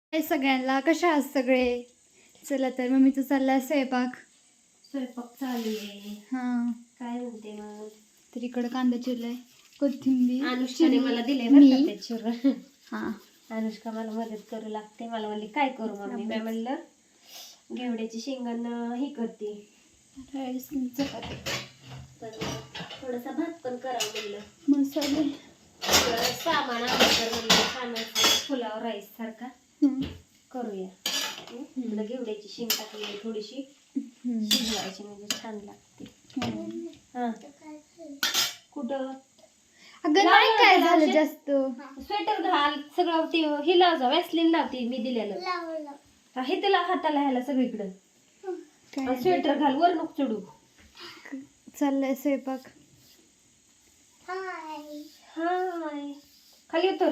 हाय सगळ्यांना, कशा आहात सगळे? चला तर मम्मीचं चाललाय स्वयंपाक चालू आहे. हां, काय म्हणते मग? तर इकडं कांदा चिरलाय, कोथिंबीर अनुष्काने मला दिले मी चिरून. हां अनुष्का मला मदत करू लागते. मला म्हणली काय करू मम्मी? मी म्हणलं घेवड्याची शेंगांना ही करते, चपाती पण थोडासा भात पण करावं म्हणलं. मसाले सामान आणलं तर म्हणलं छान फुलावर राईस सारखा करूया. इकडं घेवड्याची शेंग टाकली थोडीशी शिजवायची म्हणजे छान लागते. हा कुठं अगं नाही काय झालं जास्त. स्वेटर घाल, सगळं ते हे लाव जा, वॅसलीन लावते मी दिलेलं हे त्याला हाताला ह्याला सगळीकडं. स्वेटर घाल, वर नको चढू. चाललाय स्वयंपाक. हाय खाली उतर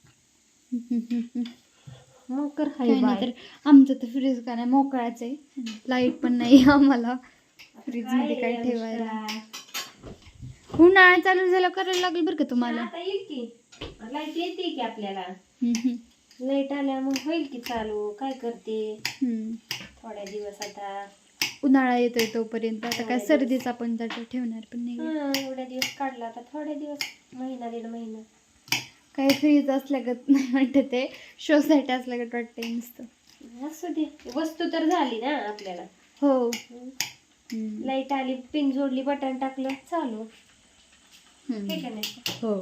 मग कर. हाय काय नाही बाय. तर आमचं तर फ्रीज का नाही मोकळाच आहे, लाईट पण नाही आम्हाला फ्रीज मध्ये काय ठेवायला. उन्हाळा चालू झाला करायला लागेल बरं का तुम्हाला. आता येईल की लाईट येते की आपल्याला. लाईट आल्या मग होईल की चालू. काय करते थोड्या दिवस आता उन्हाळा येतोय तोपर्यंत. आता काय सर्दीचा पण त्याच्यात ठेवणार पण नाही. एवढ्या दिवस काढला आता थोड्या दिवस, महिना दीड महिना. काही फ्रीज असल्यागत नाही वाटत, ते शोसाठी असल्यागत वाटतंय नुसतं. असू दे, वस्तू तर झाली ना आपल्याला. हो. लाईट आली, पिन जोडली, बटन टाकलं, चालू. हे का नाही? हो.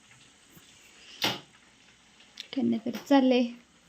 काय नाही तर चाललंय.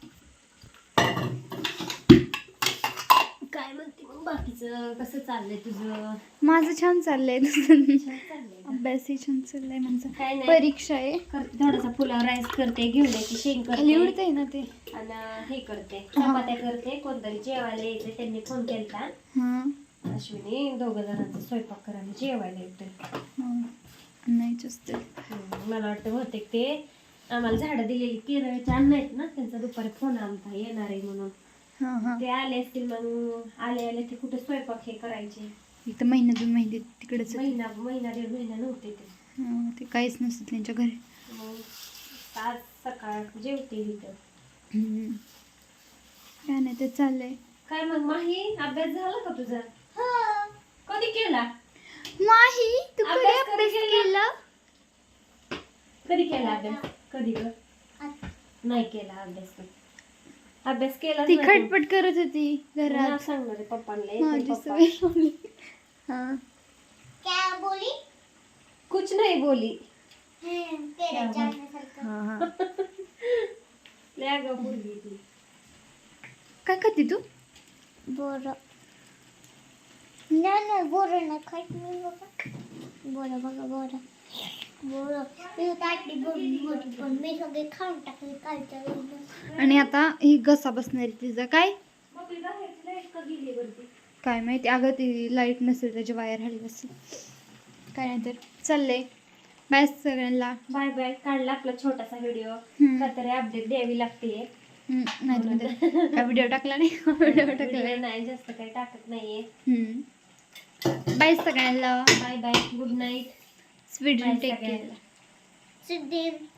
काय म्हणते मग बाकीचं? कसं चाललंय तुझं? माझं छान चाललंय. अभ्यासही छान चाललाय माझा. काय नाही, परीक्षा आहे. करते थोडासा पुलाव राईस करते, घेवड्याची शेंग खाली करते उडतंय ना ते. आणि हे करते, चपात्या करते. कोणतरी जेवायला यायचं, त्यांनी फोन केलता. अश्विनी दोघं जणांचा स्वयंपाक करायला जेवायला येतोय. नाहीच असते. मला वाटतं बहुतेक ते आम्हाला झाडं दिलेली केरळचे अन्न आहेत ना, त्यांचा दुपारी फोन आलता येणार आहे म्हणून. ते आले असतील, मग आले आले ते कुठे स्वयंपाक हे करायचे. इथं महिना 2 महिने तिकडेच. महिना दीड महिना नव्हते ते काहीच नसतं त्यांच्या घरी. मग आज सकाळ जेवते इथं. काय नाही ते चाललंय. काय मग माही, अभ्यास झाला का तुझा? कधी केला? माही तू कधी अभ्यास अभ्यास केला? कधी केला अभ्यास? कधी ग? नाही केला अभ्यास. अभ्यास केला ती खटपट करत होती घरात. सांगणार आहे पप्पांना. माझी सवय लावली. क्या बोली? कुछ नहीं बोली. लय ग बोलली ती. काय खाते तू? बोरं नाही बोरं नाही खात मी बघा. बोरं बघा बोरं मी ताटली मोठी पण मी सगळे खाऊन टाकले कालच्या वेळेला. आणि आता ही घसा बसणार तिचा. काय वरती काय माहिती. अगं ती लाईट नसेल त्याची वायर हली असेल. काय नाही तर चाललंय. बाय सगळ्यांना. Bye bye. काढला आपला छोटासा व्हिडिओ. काहीतरी अपडेट द्यावी लागते. नाही तुम्ही काय व्हिडिओ टाकला नाही. व्हिडिओ टाकला नाही, जास्त काही टाकत नाहीये. बाय सगळ्यांना. Bye bye. Good night. Sweet take care. सिद्धी